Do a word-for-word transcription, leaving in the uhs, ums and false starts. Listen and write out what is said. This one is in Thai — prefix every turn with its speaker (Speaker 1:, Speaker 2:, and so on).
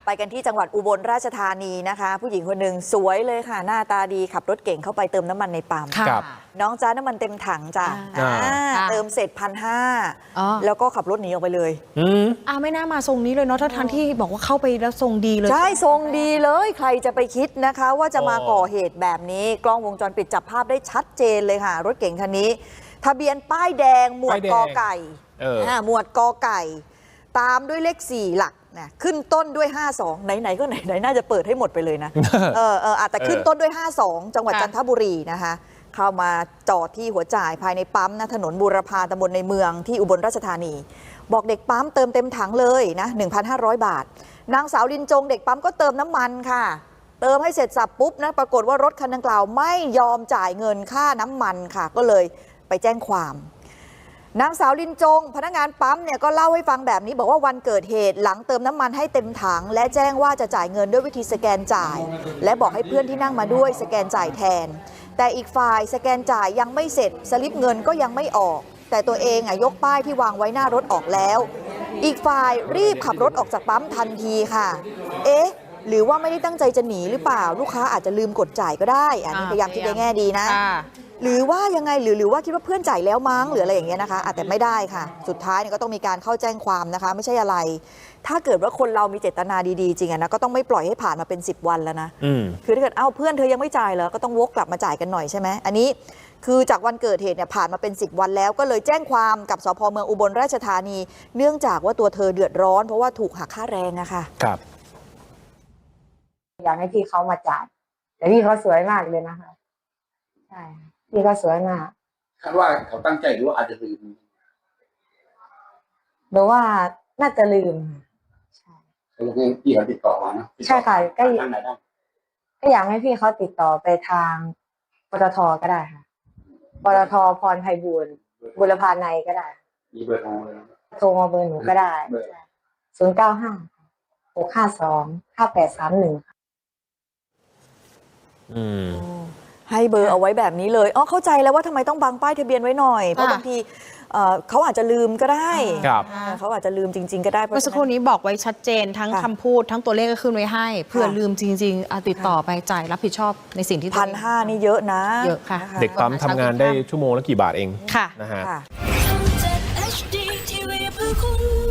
Speaker 1: ไปกันที่จังหวัดอุบลราชธานีนะคะผู้หญิงคนหนึ่งสวยเลยค่ะหน้าตาดีขับรถเก่งเข้าไปเติมน้ำมันในปั๊มน้องจ้าน้ำมันเต็มถังจ้ะเติมเสร็จพันห้าแล้วก็ขับรถหนีออกไปเลย
Speaker 2: อ่าไม่น่ามาทรงนี้เลยเนาะถ้าทันที่บอกว่าเข้าไปแล้วทรงดีเลย
Speaker 1: ใช่ทรงดีเลยใครจะไปคิดนะคะว่าจะมาก่อเหตุแบบนี้กล้องวงจรปิดจับภาพได้ชัดเจนเลยค่ะรถเก่งคันนี้ทะเบียนป้ายแดงหมวดกอไก่หมวดกอไก่ตามด้วยเลขสี่หลักนะขึ้นต้นด้วยห้าสองไหนๆก็ไหนไหนน่าจะเปิดให้หมดไปเลยนะเออเอออาจจะขึ้นต้นด้วยห้าสองจังหวัดจันทบุรีนะคะเข้ามาจอดที่หัวจ่ายภายในปั๊มนะถนนบูรพาตำบลในเมืองที่อุบลราชธานีบอกเด็กปั๊มเติมเต็มถังเลยนะ หนึ่งพันห้าร้อย บาทนางสาวลินจงเด็กปั๊มก็เติมน้ำมันค่ะเติมให้เสร็จสับปุ๊บนะปรากฏว่ารถคันดังกล่าวไม่ยอมจ่ายเงินค่าน้ำมันค่ะก็เลยไปแจ้งความนางสาวลินจงพนักงานปั๊มเนี่ยก็เล่าให้ฟังแบบนี้บอกว่าวันเกิดเหตุหลังเติมน้ำมันให้เต็มถังและแจ้งว่าจะจ่ายเงินด้วยวิธีสแกนจ่ายและบอกให้เพื่อนที่นั่งมาด้วยสแกนจ่ายแทนแต่อีกฝ่ายสแกนจ่ายยังไม่เสร็จสลิปเงินก็ยังไม่ออกแต่ตัวเองอ่ะยกป้ายที่วางไว้หน้ารถออกแล้วอีกฝ่ายรีบขับรถออกจากปั๊มทันทีค่ะเอ๊ะหรือว่าไม่ได้ตั้งใจจะหนีหรือเปล่าลูกค้าอาจจะลืมกดจ่ายก็ได้อันนี้พยายามคิดในแง่ดีนะหรือว่ายังไงหรือหรือว่าคิดว่าเพื่อนจ่ายแล้วมั้งหรืออะไรอย่างเงี้ยนะคะแต่ไม่ได้ค่ะสุดท้ายเนี่ยก็ต้องมีการเข้าแจ้งความนะคะไม่ใช่อะไรถ้าเกิดว่าคนเรามีเจตนาดีๆจริงอะนะก็ต้องไม่ปล่อยให้ผ่านมาเป็นสิบวันแล้วนะคือถ้าเกิดเอ้าเพื่อนเธอยังไม่จ่ายเหรอก็ต้องวกกลับมาจ่ายกันหน่อยใช่ไหมอันนี้คือจากวันเกิดเหตุเนี่ยผ่านมาเป็นสิบวันแล้วก็เลยแจ้งความกับสภ.เมืองอุบลราชธานีเนื่องจากว่าตัวเธอเดือดร้อนเพราะว่าถูกหักค่าแรงอะค่ะ
Speaker 3: ครับ
Speaker 4: อยากให้พี่เขามาจ่ายแต่พี่เขาสวยมากเลยนะคะใช่พี่เขาสวยมาก
Speaker 5: คาดว่าเขาตั้งใจหรือว่าอาจจะลืม
Speaker 4: หรือว่าน่าจะลืม
Speaker 5: ใช่แล้วก็พี่เขาติดต่อมานะ
Speaker 4: ใช่ค่ะก็ก็อยากให้พี่เขาติดต่อไปทางปตท.ก็ได้ค่ะปตท.พรไพบูลย์บุรพาในก็ได้
Speaker 5: มีเบอร์โทรเลย
Speaker 4: โทรมาเบอร์หนูก็ได้ศูนย์เก้าห้าหกห้าสองห้าแปดสามหนึ่ง
Speaker 1: อืมให้เบอร์เอาไว้แบบนี้เลยอ๋อเข้าใจแล้วว่าทำไมต้องบังป้ายทะเบียนไว้หน่อยเพราะบางทีเขาอาจจะลืมก็ได้เขาอาจจะลืมจริงๆก็ได้
Speaker 2: เมื่อสักครู่นี้บอกไว้ชัดเจนทั้งคำพูดทั้งตัวเลขก็ขึ้นไว้ให้เผื่อลืมจริงๆติดต่อไปจ่ายรับผิดชอบในสิ่งที่
Speaker 1: พันห้านี่เยอะนะ
Speaker 2: เยอะค่ะ
Speaker 3: เด็กปั๊มทำงานได้ชั่วโมงละกี่บาทเอง
Speaker 2: ค่ะ
Speaker 3: นะฮะ